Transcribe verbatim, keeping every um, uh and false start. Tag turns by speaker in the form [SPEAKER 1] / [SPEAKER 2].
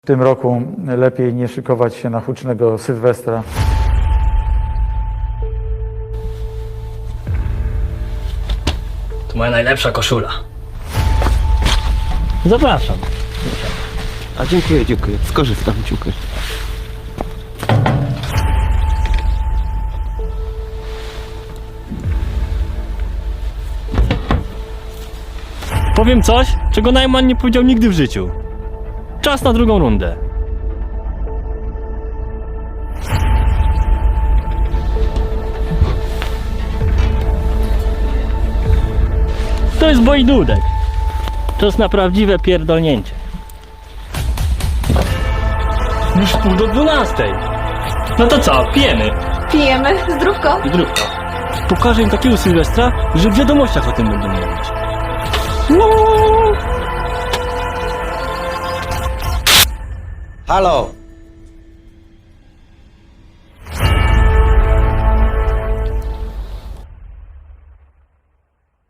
[SPEAKER 1] W tym roku lepiej nie szykować się na hucznego Sylwestra.
[SPEAKER 2] To moja najlepsza koszula.
[SPEAKER 3] Zapraszam.
[SPEAKER 4] A dziękuję, dziękuję. Skorzystam, dziękuję.
[SPEAKER 3] Powiem coś, czego Najman nie powiedział nigdy w życiu. Czas na drugą rundę. To jest boi dudek. Czas na prawdziwe pierdolnięcie. Już pół do dwunastej. No to co, pijemy.
[SPEAKER 5] Pijemy, zdrówko.
[SPEAKER 3] Zdrówko. Pokażę im takiego Sylwestra, że w wiadomościach o tym będą mówić.
[SPEAKER 4] Halo!